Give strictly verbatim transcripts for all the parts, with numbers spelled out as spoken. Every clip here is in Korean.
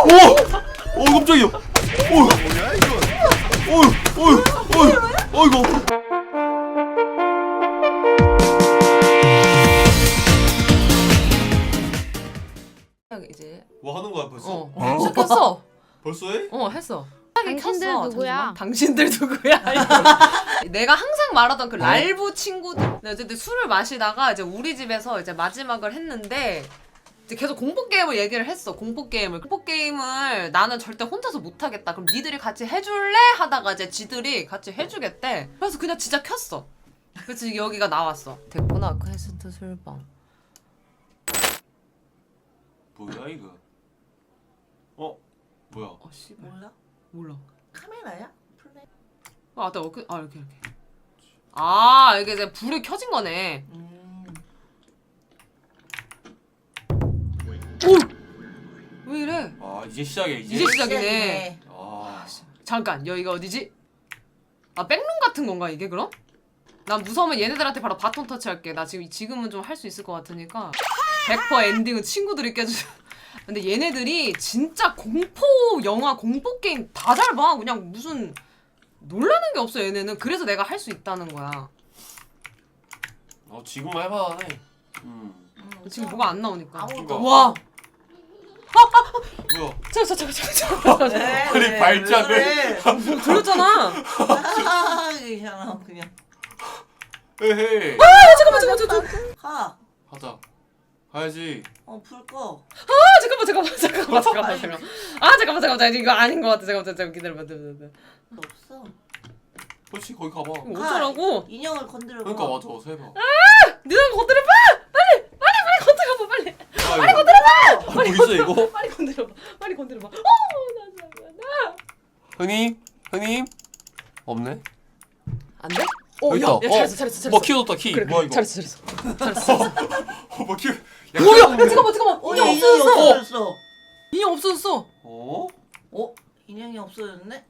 오! 오 깜짝이야. 오! 뭐야 이거? 어이, 어이, 어이, 어이구. 이제 뭐 하는 거야 벌써? 어, 어? 시작했어. 벌써 해? 어 했어. 당신들 켰어. 누구야? 잠시만. 당신들 누구야? 내가 항상 말하던 그 랄부 친구들. 네, 어쨌든 술을 마시다가 이제 우리 집에서 이제 마지막을 했는데 이제 계속 공포 게임을 얘기를 했어. 공포 게임을 공포 게임을 나는 절대 혼자서 못 하겠다. 그럼 니들이 같이 해줄래? 하다가 이제 지들이 같이 해주겠대. 그래서 그냥 진짜 켰어. 그래서 여기가 나왔어. 됐구나 퀘스트 술방. 뭐야 이거? 어? 뭐야? 어 씨발. 몰라? 몰라. 카메라야? 플레이? 아, 나 이렇게 아 이렇게 이렇게. 아 이게 이제 불이 켜진 거네. 음. 오! 왜 이래? 아 이제 시작이야 이제? 이제 시작이네. 아 잠깐 여기가 어디지? 아 백룸 같은 건가 이게 그럼? 난 무서우면 얘네들한테 바로 바톤 터치할게. 나 지금 지금은 좀 할 수 있을 것 같으니까 백 퍼센트 엔딩은 친구들이 깨주. 근데 얘네들이 진짜 공포 영화 공포 게임 다 잘 봐. 그냥 무슨 놀라는 게 없어 얘네는. 그래서 내가 할 수 있다는 거야. 어 지금만 해봐네. 음 지금 뭐가 안 나오니까. 아무것도 와. 뭐야? 잠깐 잠깐 잠깐 잠깐. 아니 발작을. 네. 들렸잖아. 괜찮아 그냥 헤헤. 아 잠깐만 잠깐만 잠깐만. 가. 하자. 가야지. 어 불 꺼. 아 잠깐만 잠깐만 잠깐만 잠깐만 잠깐만. 아 잠깐만 잠깐만 이거 아닌 것 같아. 잠깐만 잠깐만 기다려봐. 기다려봐. 없어. 그렇지 거기 가봐. 이거 어쩌라고? 인형을 건드려. 그러니까 맞아 어서 해봐. 네가 건드려봐. 빨리 빨리 빨리 건드려봐 빨리. 빨리 건드려봐. 뭐 있어 이거? 빨리 건드려봐. 빨리 건드려봐. 어나 잠깐만 나. 형님 형님 없네. 안 돼? 어, 여기 야, 있다. 야, 잘했어, 잘했어, 잘했어. 뭐 키 얻었다 키. 그래, 뭐야 그래, 이거? 잘했어, 잘했어. 잘했어. 어, 뭐 키. 뭐야? 야, 잠깐만, 잠깐만. 어 인형 인형이 없어졌어. 없어졌어. 인형 없어졌어. 어? 어 인형이 없어졌네.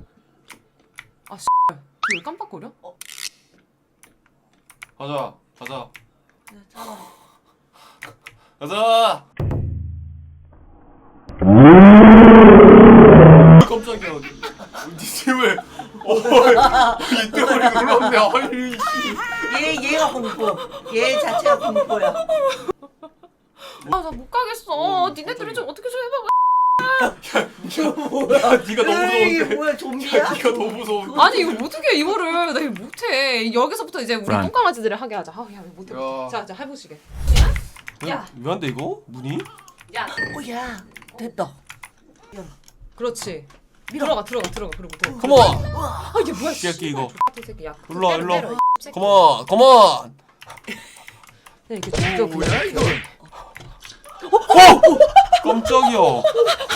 왜 깜빡거려? 가자 가자 네, 잡아. 가자. 깜짝이야. 니 팀을. 어이 때문에 놀랐네. 아니. 얘 얘가 공포. 얘 자체가 공포야. 아, 나 못 가겠어. 어, 니네들이 좀 어떻게 좀 해봐. 야, 니가 너무 이게 무서운데. 뭐야 좀비야? 야, 니가 너무 무서운데. 아니, 이거 어떻게 해, 이거를. 나 이거 못해. 여기서부터 이제 우리 Run. 똥강아지들을 하게 하자. 아, 야, 못해. 야. 못해. 자, 자, 해보시게. 야. 왜안돼 이거? 문이? 야. 오야 됐다. 그렇지. 밀어. 들어가, 들어가, 들어가. 그리고 들어가. 컴온. 아, 이게 뭐야, 씨. 새끼 이거. 이 새끼, 야. 일로 와, 때려, 일로 와. 때려, 이 새끼. 컴온. 컴온. 그냥 이렇게 죽여, 그냥. 뭐야 이거? 깜짝이야. 어?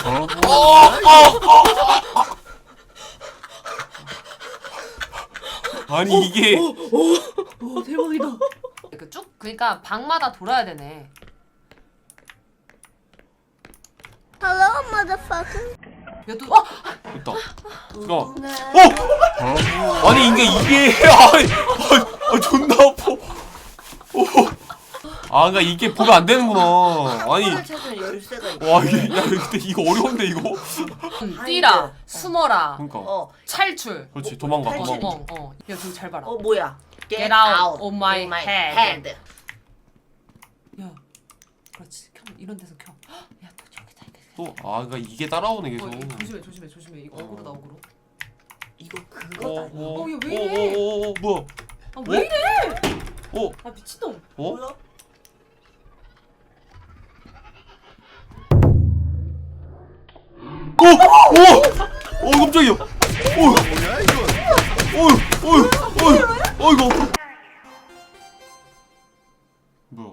아니 이게 오 대박이다. 그 쭉 그러니까 방마다 돌아야 되네. Hello, motherfucker. 얘도 어 됐다. 잠깐. 어? 아니 이게 이게 아니 아, 아 존나 아파. 어. 아 그러니까 이게 보면 안 되는구나. 아니 을 찾으면 열쇠가 있어. 와 이게 야 근데 이거 어려운데 이거. 음, 뛰라, 숨어라, 그러니까. 어. 탈출. 그렇지 도망가 탈출. 도망가. 어, 어. 야, 저기 잘 봐라. 어 뭐야? Get out of my head. head. 야, 그렇지. 켜. 이런 데서 켜. 헉, 야, 또 저기다 이렇게. 또 아 그러니까 이게 따라오네 어, 계속. 이거 조심해, 조심해, 조심해. 이거 어그로다, 어그로. 이거 그거다. 어, 이거. 어, 얘왜 이래? 어, 어, 어, 뭐야? 아, 왜 이래? 어? 아, 미친놈. 어? 뭐야? 오! 오! 오 깜짝이야. 오! 뭐야 이거? 오! 오! 오! 어 이거. 뭐야?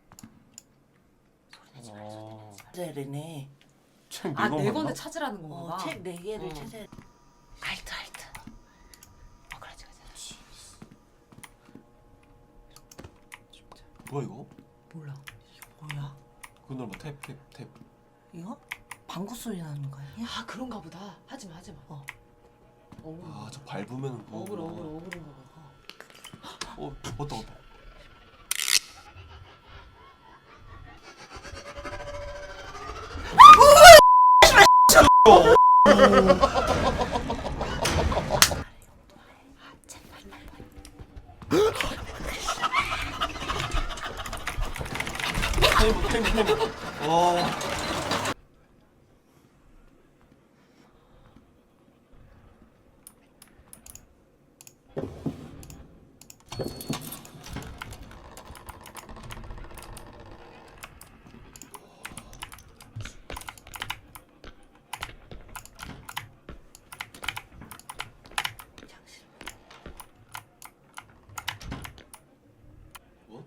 아, 찾아야되네. 책 아, 네권 네 맞나? 건데 찾으라는 건가 어, 책 네 개를 어. 찾아야 돼. 알트, 알트. 어, 그렇지, 그렇지. 뭐야 이거? 몰라. 뭐야? 그 눌러 탭 탭 탭. 이거? 방구 소리 나는 거 아니야? 아, 그런가 보다. 하지 마, 하지 마. 어. 어그로. 아 저 밟으면 뭐. 어그로, 어그로, 어그로인가 봐. 어 왔다 왔다. 타이머 타이머 타이머. 와. 뭐?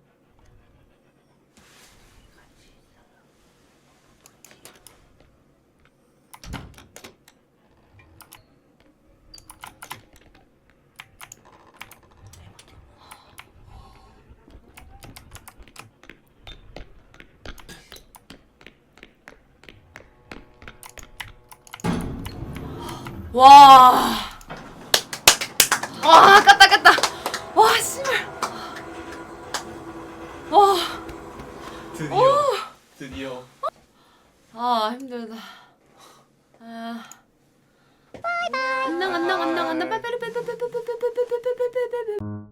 와. 와, 깠다 깠다. 와, 씨발. 와. 드디어 드디어. 아, 힘들다. 아. 안녕 안녕 안녕 안녕. 빠빠리 빠빠리 빠빠리 빠빠리 빠빠리 빠빠리 빠빠리.